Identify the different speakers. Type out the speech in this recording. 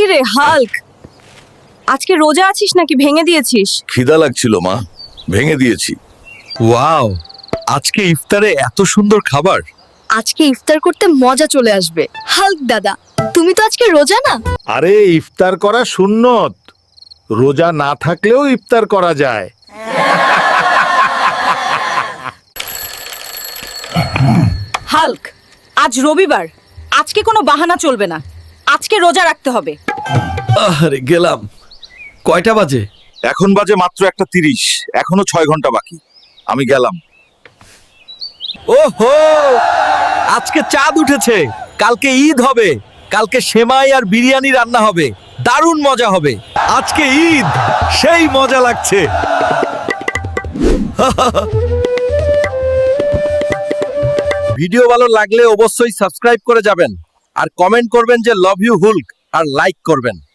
Speaker 1: রে হাল্ক, আজকে রোজা আছিস নাকি ভেঙে দিয়েছিস?
Speaker 2: খিদা লাগছিল মা, ভেঙে দিয়েছি।
Speaker 3: ওয়াও, আজকে ইফতারে এত সুন্দর খাবার।
Speaker 1: আজকে ইফতার করতে মজা চলে আসবে। হাল্ক দাদা, তুমি তো আজকে রোজা না?
Speaker 4: আরে ইফতার করা সুন্নত, রোজা না থাকলেও ইফতার করা যায়।
Speaker 1: হাল্ক, আজ রবিবার, আজকে কোনো বাহানা চলবে না, আজকে রোজা রাখতে হবে।
Speaker 3: আরে গেলাম। কয়টা বাজে?
Speaker 2: এখন বাজে মাত্র 1:30, এখনো 6 ঘন্টা বাকি। আমি গেলাম।
Speaker 3: ওহো, আজকে চাঁদ উঠেছে, কালকে ঈদ হবে, কালকে সেমাই আর বিরিয়ানি রান্না হবে, দারুণ মজা হবে। আজকে ঈদ, সেই মজা লাগছে। ভিডিও ভালো লাগলে অবশ্যই সাবস্ক্রাইব করে যাবেন আর কমেন্ট করবেন যে লাভ ইউ হুল্ক আর লাইক করবেন।